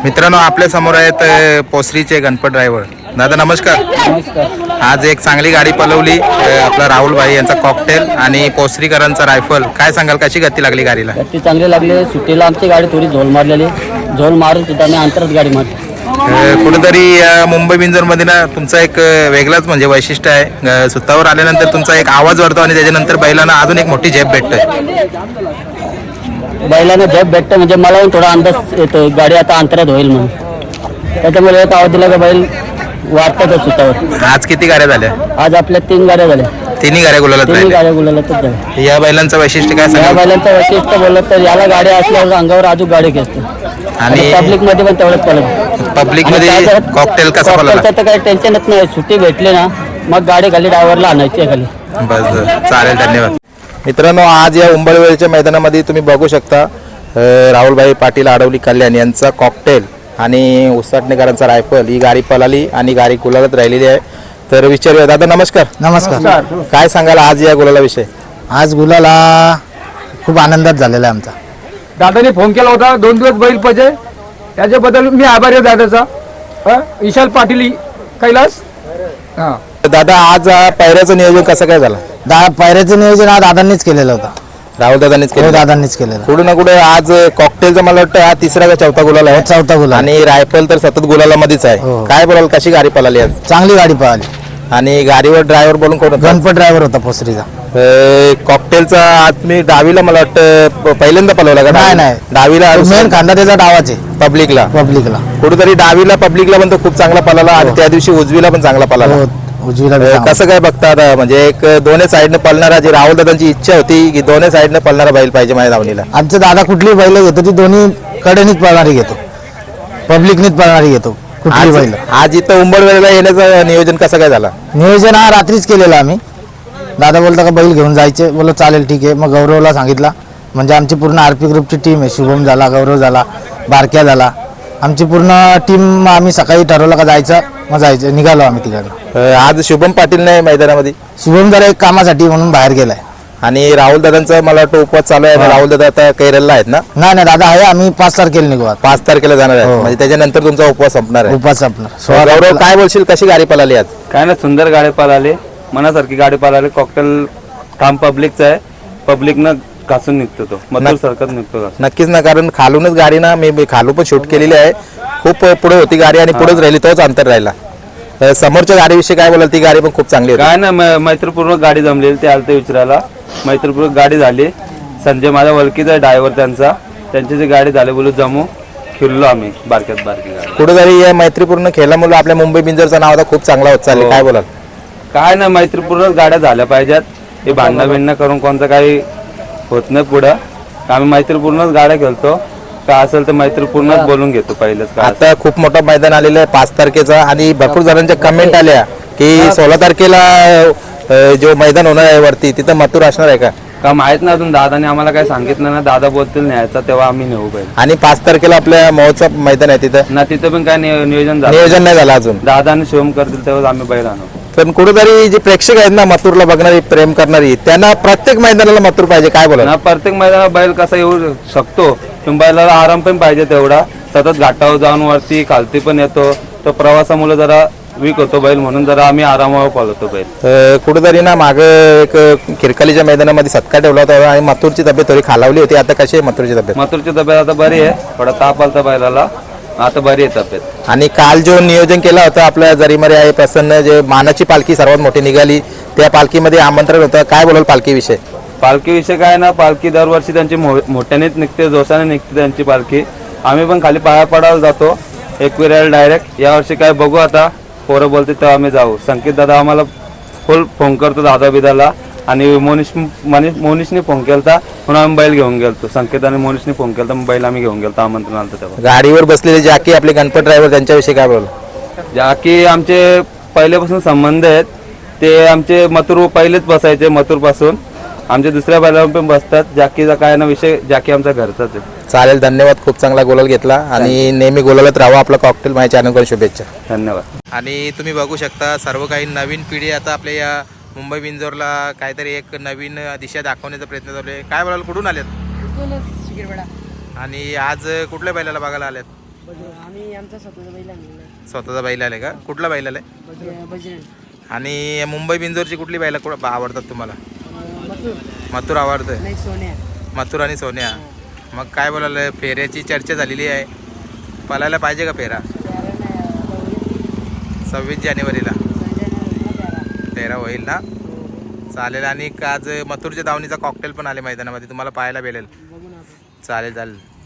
मित्रांनो आपल्या समोर आहेत पोसरीचे गणपत ड्रायव्हर. दादा नमस्कार. नमस्कार. आज एक चांगली गाडी पलवली आपला राहुल भाई यांचा कॉकटेल आणि पोसरीकरांचा रायफल. काय सांगाल कशी गती लागली गाडीला? गती चांगली लागली. सुट्टीला आमची गाडी थोडी झोल मारलेली, झोल मारून सुद्धा आम्ही अंतरात गाडी मारली. कुठेतरी मुंबई बिंजरमध्ये ना तुमचा एक वेगळाच म्हणजे वैशिष्ट्य आहे. सुतावर आल्यानंतर तुमचा एक आवाज वाढतो आणि त्याच्यानंतर बैलांना अजून एक मोठी झेप भेटते. बैलांना झेप भेटतं म्हणजे मला पण थोडा अंदाज येतो गाडी आता अंतरात होईल म्हणून. त्याच्यामुळे एक आवाज दिला का बैल वाढतातच सुतावर. आज किती गाड्या झाल्या? आज आपल्या 3 गाड्या झाल्या. तिन्ही गाड्या गुलालात तिन्ही राहिल्या. गाड्या गुलालातच झाल्या. या बैलांचं वैशिष्ट्य काय या सांगाल? बैलांचं वैशिष्ट्य बोललं तर याला गाडी असल्यावर अंगावर अजून गाडी घेसते आणि पब्लिक मध्ये पण तेवढंच पडत. पब्लिक मध्ये कॉकटेल कसा पळाला? तर काही टेन्शनच नाही. सुट्टी भेटली ना मग गाडी खाली ड्रायव्हरला आणायची आहे खाली. बस चालेल, धन्यवाद. मित्रांनो आज या उंबरवेळच्या मैदानामध्ये तुम्ही बघू शकता राहुलभाई पाटील आडवली कल्याण यांचा कॉकटेल आणि उसाटणेकरांचा रायफल ही गाडी पळाली आणि गाडी गुलालात राहिलेली आहे. तर विचारूया दादा नमस्कार. नमस्कार. काय सांगाल आज या गुलाला विषय? आज गुलाला खूप आनंदात झालेला आहे आमचा. दादाने फोन केला होता 2 दिवस बैल पाहिजे, त्याच्याबद्दल मी आभारी आहे दादाचा. विशाल पाटील कैलास. हा दादा आज पायऱ्याचं नियोजन कसं काय झालं? पायऱ्याचं नियोजन आज दादांनीच केलेलं होतं. राहुल दादांनीच केलं. दादांनीच केलेलं. कुठं ना कुठे आज कॉकटेलचा मला वाटतं हा तिसरा का चौथा गुलाल आहे. चौथा गुलाल. आणि रायफल तर सतत गुलालामध्येच आहे. हो. काय बोलाल कशी गाडी पळाली आज? चांगली गाडी पळाली. आणि गाडीवर ड्रायव्हर बोलून कोण होता? गणपत ड्रायव्हर होता पोसरीचा. कॉकटेलचा आज मी डावीला मला वाटतं पहिल्यांदा पळवला का? नाही. डावीला मेन खांदा त्याचा डावाचे पब्लिकला पब्लिकला कुठेतरी डावीला पब्लिकला पण तो खूप चांगला पळाला आणि त्या दिवशी उजवीला पण चांगला पळाला. उजवीला कसं काय बघता आता म्हणजे एक दोन्ही साईडने पळणारा जी राहुल दादांची इच्छा होती की दोन्ही साईडने पळणारा बैल पाहिजे माझ्या धावणीला. आमचे दादा कुठली बैल घेतो ती दोन्ही कडेनीच पळणारी घेतो, पब्लिकनीच पळणारी घेतो कुठली बैल. आज इथं उंबरवेळेला येण्याचं नियोजन कसं काय झालं? नियोजन हा रात्रीच केलेलं आम्ही. दादा बोलता का बैल घेऊन जायचे, बोललो चालेल ठीक आहे. मग गौरवला सांगितला, म्हणजे आमची पूर्ण आरपी ग्रुपची टीम आहे. शुभम झाला, गौरव झाला, बारक्या झाला, आमची पूर्ण टीम. आम्ही सकाळी ठरवलं का जायचं, मग जायचं निघालो आम्ही तिकडनं. आज शुभम पाटील नाही मैदानामध्ये. शुभम जरा एक कामासाठी म्हणून बाहेर गेलाय. आणि राहुल दादांचा मला वाटतं उपवास चालू आहे. राहुल दादा आता कैरलला आहेत ना? नाही दादा आहे. आम्ही 5 तारखेला निघू. 5 तारखेला जाणार आहे. हो. म्हणजे त्याच्यानंतर तुमचा उपवास संपणार आहे. उपवास आपणार. गौरव काय बोलशील कशी गाडी पळाली आज? काय ना सुंदर गाडी पळाली, मनासारखी गाडी पळाली. कॉकटेल काम पब्लिकचा आहे, पब्लिकनं घासून निघतो तो, मधुर सरकत निघतो. नक्कीच ना, कारण खालूनच गाडी ना मी खालू पण शूट केलेली आहे. खूप पुढे होती गाडी आणि पुढेच राहिली, तोच अंतर राहिला. समोरच्या गाडीविषयी काय बोलाल? ती गाडी पण खूप चांगली होती. काय ना मैत्रीपूर्वक गाडी जमलेली, ते आलते विचारायला. मैत्रीपूर्वक गाडी झाली. संजय माझ्या ओळखीचा आहे ड्रायव्हर त्यांची जी गाडी झाली बोलू जमू फिरलो आम्ही बारक्यात बारकी गाडी. कुठेतरी या मैत्रीपूर्ण खेळामुळे आपल्या मुंबई बिंजरचं नाव आता खूप चांगला होत चालले. काय बोलाल? काय ना मैत्रीपूर्वक गाड्या झाल्या पाहिजेत. हे भांडणं बिंडणं करून कोणतं काही होत नाही पुढं. आम्ही मैत्रीपूर्णच गाड्या खेळतो. काय असेल तर मैत्रीपूर्णच बोलून घेतो पहिलेच. आता खूप मोठं मैदान आलेलं आहे 5 तारखेचा आणि भरपूर जणांच्या कमेंट आल्या की 16 तारखेला जो मैदान होणार आहे वरती तिथं मथुर असणार आहे का? का माहित नाही अजून. दादाने आम्हाला काय सांगितलं ना. दादा बोलतील न्यायचा तेव्हा आम्ही नेऊ पाहिजे. आणि 5 तारखेला आपल्या महोत्सव मैदान आहे तिथं ना तिथं पण काय नियोजन झालं. नियोजन नाही झालं अजून. दादा आणि शिवम करतील तेव्हा आम्ही बैल आणू. पण कुठेतरी जे प्रेक्षक आहेत ना मथुरला बघणारी प्रेम करणारी त्यांना प्रत्येक मैदानाला मथुर पाहिजे. काय बोला? ना प्रत्येक मैदानात बैल कसा येऊ शकतो, बैलाला आराम पण पाहिजे तेवढा. सतत घाटावर जाऊन वरती खालती पण येतो, तो प्रवासामुळे जरा वीक होतो बैल, म्हणून जरा आम्ही आरामावर पळवतो बैल. कुठेतरी ना माग एक खिरकालीच्या मैदानामध्ये सत्कार ठेवला होता आणि मथुरची तब्येत थोडी खालावली होती. आता कशी आहे मथुरची तब्येत? मथुरची तब्येत आता बरी आहे. थोडा ताप आलता बैलाला, आता बरी आहे तब्येत. आणि काल जो नियोजन केला होता आपल्या जरीमरे आहे प्रसन्न, जे मानाची पालखी सर्वात मोठी निघाली, त्या पालखीमध्ये आमंत्रण होतं. काय बोलाल पालखीविषयी? पालखीविषयी काय ना, पालखी दरवर्षी त्यांची मोठ्यानेच निघते, जोशाने निघते त्यांची पालखी. आम्ही पण खाली पाया पडायला जातो एकविरायला डायरेक्ट. यावर्षी काय बघू आता, पोरं बोलते तेव्हा आम्ही जाऊ. संकेत दादा आम्हाला फुल फोन करतो दादा बिदाला, आणि मोनिशने फोन केलता म्हणून आम्ही बैल घेऊन गेलतो. संकेत आणि मोनिशने फोन केलता, बैल आम्ही घेऊन गेलतो आमंत्रण आलं तेव्हा. गाडीवर बसलेले जाकी आपले गणपत ड्रायव्हर त्यांच्याविषयी काय बोल? जाकी आमचे पहिल्यापासून संबंध आहेत. ते आमचे मथुर पहिलेच बसायचे, मथुर पासून आमच्या दुसऱ्या बैलावर पण बसतात. जाकीचा काय ना विषय, जाकी आमचा घरचाच आहे. चालेल, धन्यवाद. खूप चांगला गोलाल घेतला आणि नेहमी गोलालत राहावा. आपला कॉकटेल माझ्या चॅनलवर शुभेच्छा. धन्यवाद. आणि तुम्ही बघू शकता सर्व काही नवीन पिढी आता आपल्या या मुंबई बिंजोरला काहीतरी एक नवीन दिशा दाखवण्याचा प्रयत्न चालू आहे. काय बोलाल? कुठून आलेत? आणि आज कुठल्या बैलाला बघायला आलेत? आम्ही आमचा स्वतःचा बैल आणलेला स्वतःचा बैल आले का? कुठला बैल आलाय? बजरंग आणि मुंबई बिंजोरची कुठली बैल आवडतात तुम्हाला? मथुर मथुर आवडतं. नाही सोन्या मथुर आणि सोन्या. मग काय बोलायला, फेऱ्याची चर्चा झालेली आहे, पळायला पाहिजे का फेरा? 26 जानेवारीला फेरा होईल ना? चालेल. आणि आज मथुरच्या दावणीचा कॉकटेल पण आले मैदानामध्ये, तुम्हाला पाहायला भेटेल. चालेल चालेल.